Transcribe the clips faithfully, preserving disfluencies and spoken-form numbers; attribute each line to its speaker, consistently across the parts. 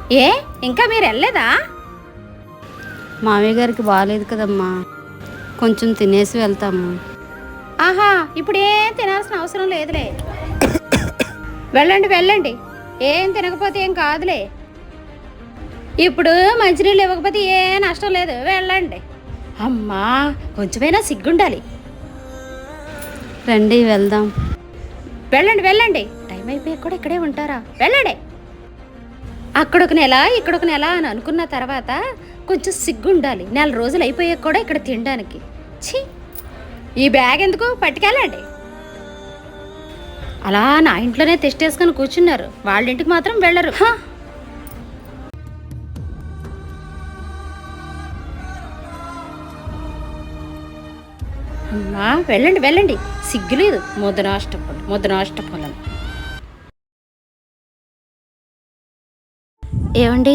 Speaker 1: ఏ ఇంకా మీరు వెళ్ళలేదా?
Speaker 2: మామయ్య గారికి బాగాలేదు కదమ్మా, కొంచెం తినేసి వెళ్తాము.
Speaker 1: ఆహా, ఇప్పుడు ఏం తినాల్సిన అవసరం లేదులే. వెళ్ళండి వెళ్ళండి, ఏం తినకపోతే ఏం కాదులే. ఇప్పుడు మంచినీళ్ళు ఇవ్వకపోతే ఏ నష్టం లేదు, వెళ్ళండి. అమ్మా, కొంచెమైనా సిగ్గుండాలి.
Speaker 2: రండి వెళ్దాం.
Speaker 1: వెళ్ళండి వెళ్ళండి, టైం అయిపోయి కూడా ఇక్కడే ఉంటారా? వెళ్ళండి. అక్కడొక నెల ఇక్కడొక నెల అని అనుకున్న తర్వాత కొంచెం సిగ్గుండాలి. నెల రోజులు అయిపోయాక కూడా ఇక్కడ తినడానికి. ఛీ, ఈ బ్యాగ్ ఎందుకు? పట్టుకెళ్ళండి. అలా నా ఇంట్లోనే తెస్టేసుకొని కూర్చున్నారు, వాళ్ళ ఇంటికి మాత్రం వెళ్ళరు. అమ్మా, వెళ్ళండి వెళ్ళండి, సిగ్గులేదు. ముద్దనాష్టపొలం ముద్దనాష్టపొలం. ఏమండి,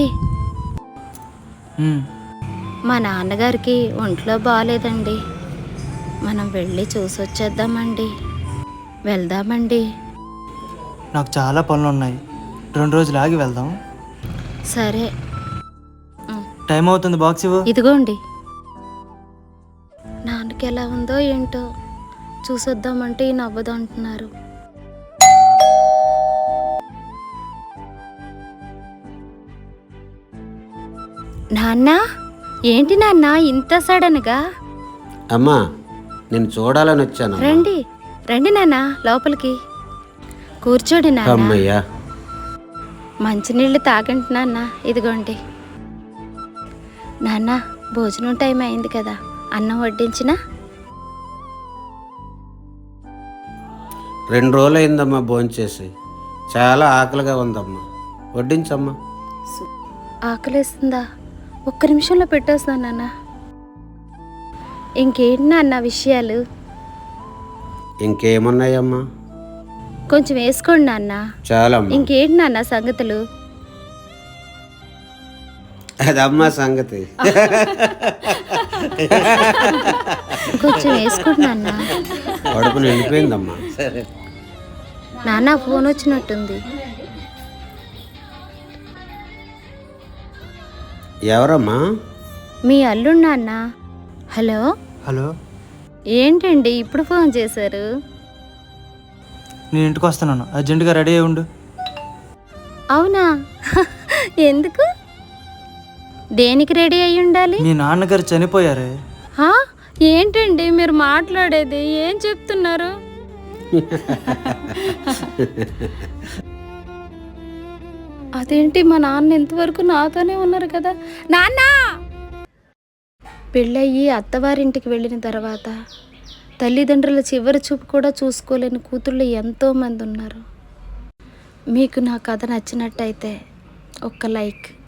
Speaker 1: మా నాన్నగారికి ఒంట్లో బాగాలేదండి, మనం వెళ్ళి చూసి వచ్చేద్దామండి. వెళ్దామండి.
Speaker 3: నాకు చాలా పనులు ఉన్నాయి, రెండు రోజులు ఆగి వెళ్దాం.
Speaker 1: సరే.
Speaker 3: టైం అవుతుంది, బాక్స్ ఇవ్వు.
Speaker 1: ఇదిగోండి. నాన్నకి ఎలా ఉందో ఏంటో చూసొద్దామంటే ఈ నవ్వదు అంటున్నారు. నాన్న, ఏంటి నాన్న ఇంత సడన్గా?
Speaker 4: అమ్మా, నేను చూడాలని వచ్చాను.
Speaker 1: రండి రండి నాన్న, లోపలికి కూర్చోండి నాన్న.
Speaker 4: అమ్మయ్యా,
Speaker 1: మంచినీళ్ళు తాగండి నాన్న. ఇదిగోండి నాన్న, భోజనం టైం అయింది కదా, అన్నం వడ్డించినా?
Speaker 4: రెండు రోజులు అయిందమ్మా భోంచేసి, చాలా ఆకలిగా ఉందమ్మా, వడ్డించమ్మా.
Speaker 1: ఆకలేస్తుందా? ఒక్క నిమిషంలో పెట్టేస్తాను నాన్న. ఇంకేంటి నాన్న విషయాలు?
Speaker 4: ఇంకేమున్నాయమ్మా?
Speaker 1: కొంచెం వేసుకోండి నాన్న.
Speaker 4: చాలా.
Speaker 1: ఇంకేంటి నాన్న సంగతులు?
Speaker 4: అదమ్మా సంగతి.
Speaker 1: కొంచెం వేసుకోండి నాన్న.
Speaker 4: కడుపు నిండిపోయిందమ్మా.
Speaker 1: నాన్న, ఫోన్ వచ్చినట్టుంది.
Speaker 4: ఎవరమ్మా?
Speaker 1: మీ అల్లుడు నాన్న. హలో
Speaker 3: హలో,
Speaker 1: ఏంటండి ఇప్పుడు ఫోన్ చేశారు?
Speaker 3: నేను ఇంటికి వస్తున్నాను, అర్జెంటుగా రెడీ అయి ఉండు.
Speaker 1: అవునా? ఎందుకు? దేనికి రెడీ అయి ఉండాలి?
Speaker 3: మీ నాన్నగారు చనిపోయారే.
Speaker 1: హా? ఏంటండి మీరు మాట్లాడేది? ఏం చెప్తున్నారు? అదేంటి, మా నాన్న ఇంతవరకు నాతోనే ఉన్నారు కదా. నాన్న, పెళ్ళయ్యి అత్తవారింటికి వెళ్ళిన తర్వాత తల్లిదండ్రుల చివరి చూపు కూడా చూసుకోలేని కూతుళ్ళు ఎంతోమంది ఉన్నారు. మీకు నా కథ నచ్చినట్టయితే ఒక్క లైక్.